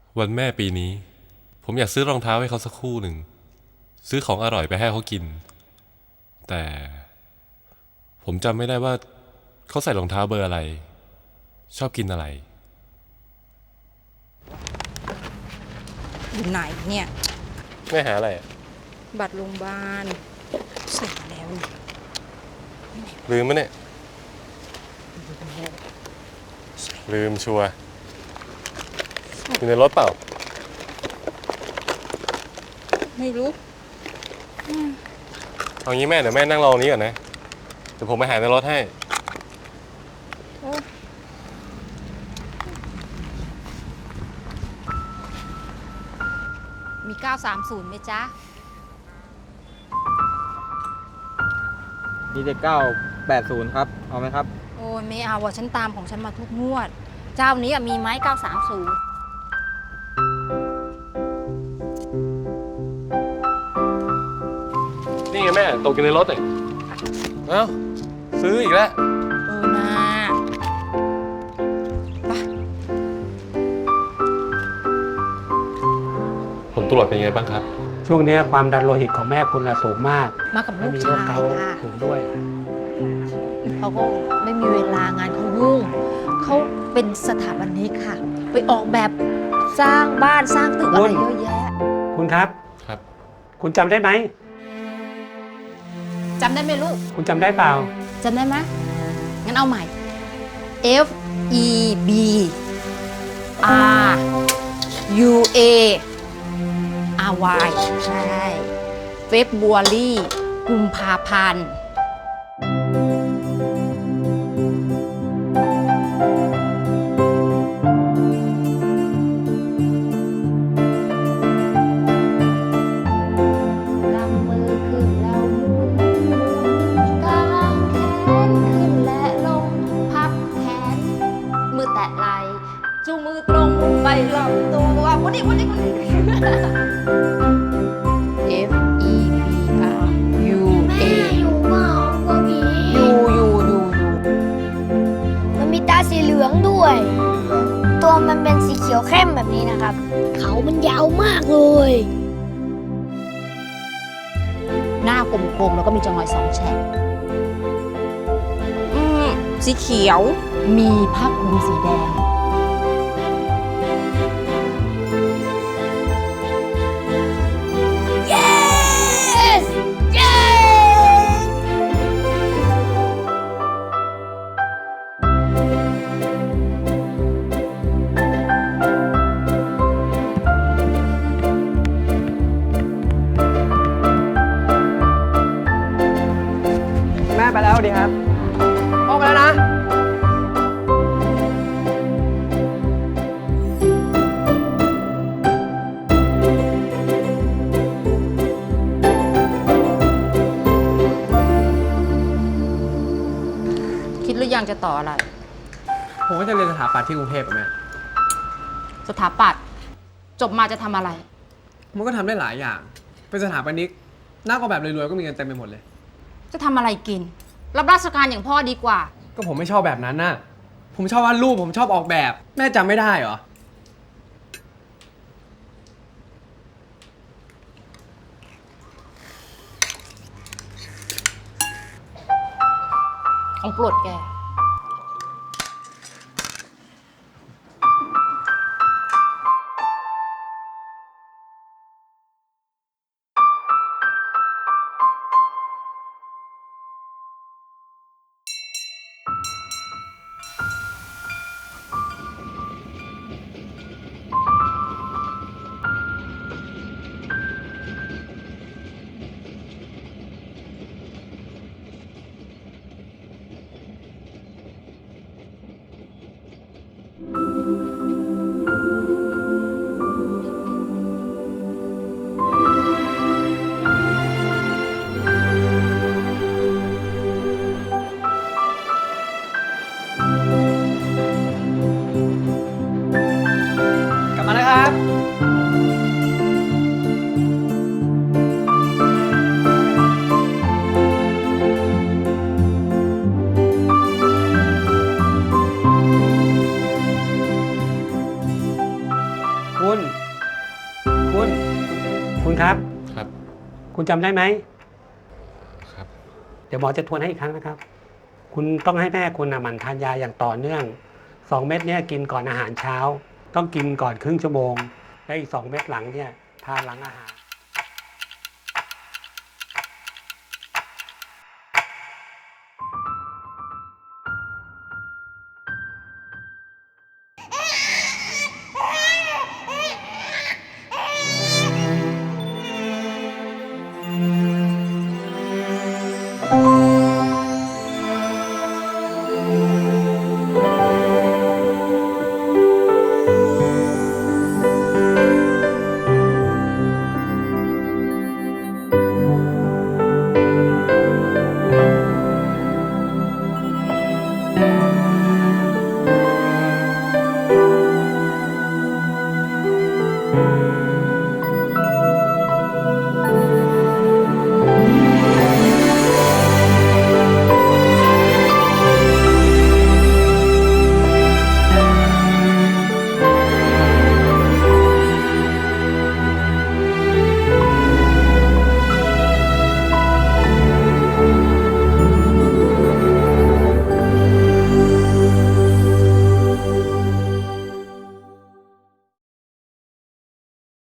วันแม่ปีนี้ผมอยากซื้อรองเท้าให้เขาสักคู่หนึ่งซื้อของอร่อยไปให้เขากินแต่ผมจำไม่ได้ว่าเขาใส่รองเท้าเบอร์อะไรชอบกินอะไรอยู่ไหนเนี่ยแม่หาอะไรบัตรโรงพยาบาลใส่แล้วนี่ลืมมั้ยเนี่ยลืมชัวร์อยู่ในรถเปล่าไม่รู้เอางี้แม่เดี๋ยวแม่นั่งรอตรงนี้ก่อนนะเดี๋ยวผมไปหาในรถให้มี930ไหมจ๊ะมีแต่980ครับเอาไหมครับโอ้ยไม่เอาว่ะฉันตามของฉันมาทุกงวดเจ้านี้มีไหม930 นี่ไงแม่ตกอยู่ในรถเลยเอ้าซื้ออีกแล้วนะไปผลตรวจเป็นไงบ้างครับช่วงนี้ความดันโลหิตของแม่คุณสูงมากมากับลูกมีโรชาคยเกาต์ค่ะสูงด้วยเขาก็ไม่มีเวลางานเขายุ่งเขาเป็นสถาปนิกค่ะไปออกแบบสร้างบ้านสร้างตึกอะไรเยอะแยะคุณครับครับคุณจำได้ไหมจำได้ไหมลูกคุณจำได้เปล่าจำได้ไหมงั้นเอาใหม่ F E B R U A R Y ใช่เฟบรุอารีกุมภาพันธ์กำมือขึ้นแล้วหมุนกางแขนขึ้นและลงพับแขนมือแตะไหล่จูงมือตรงไปลำตัววันนี้F E B R U A อยู่เปล่ากลัวผีอยู่มันมีตาสีเหลืองด้วย ตัวมันเป็นสีเขียวเข้มแบบนี้นะครับ เขามันยาวมากเลยหน้ากลมๆแล้วก็มีจงอย2 แฉกสีเขียวมีผ้าคลุมสีแดงแม่ไปแล้วดีครับออกไปแล้วนะคิดหรือยังจะต่ออะไรผมก็จะเรียนสถาปัตย์ที่กรุงเทพแม่สถาปัตย์จบมาจะทำอะไรมันก็ทำได้หลายอย่างเป็นสถาปนิกนักออกแบบรวยๆก็มีเงินเต็มไปหมดเลยจะทำอะไรกินรับราชการอย่างพ่อดีกว่าก็ผมไม่ชอบแบบนั้นน่ะผมชอบวาดรูปผมชอบออกแบบแม่จำไม่ได้เหรอของโปรดแกคุณ คุณ คุณครับครับคุณจำได้ไหมครับเดี๋ยวหมอจะทวนให้อีกครั้งนะครับ คุณต้องให้แม่คุณหมั่นทานยาอย่างต่อเนื่อง 2 เม็ดเนี่ยกินก่อนอาหารเช้า ต้องกินก่อนครึ่งชั่วโมง และอีก 2 เม็ดหลังเนี่ยทานหลังอาหาร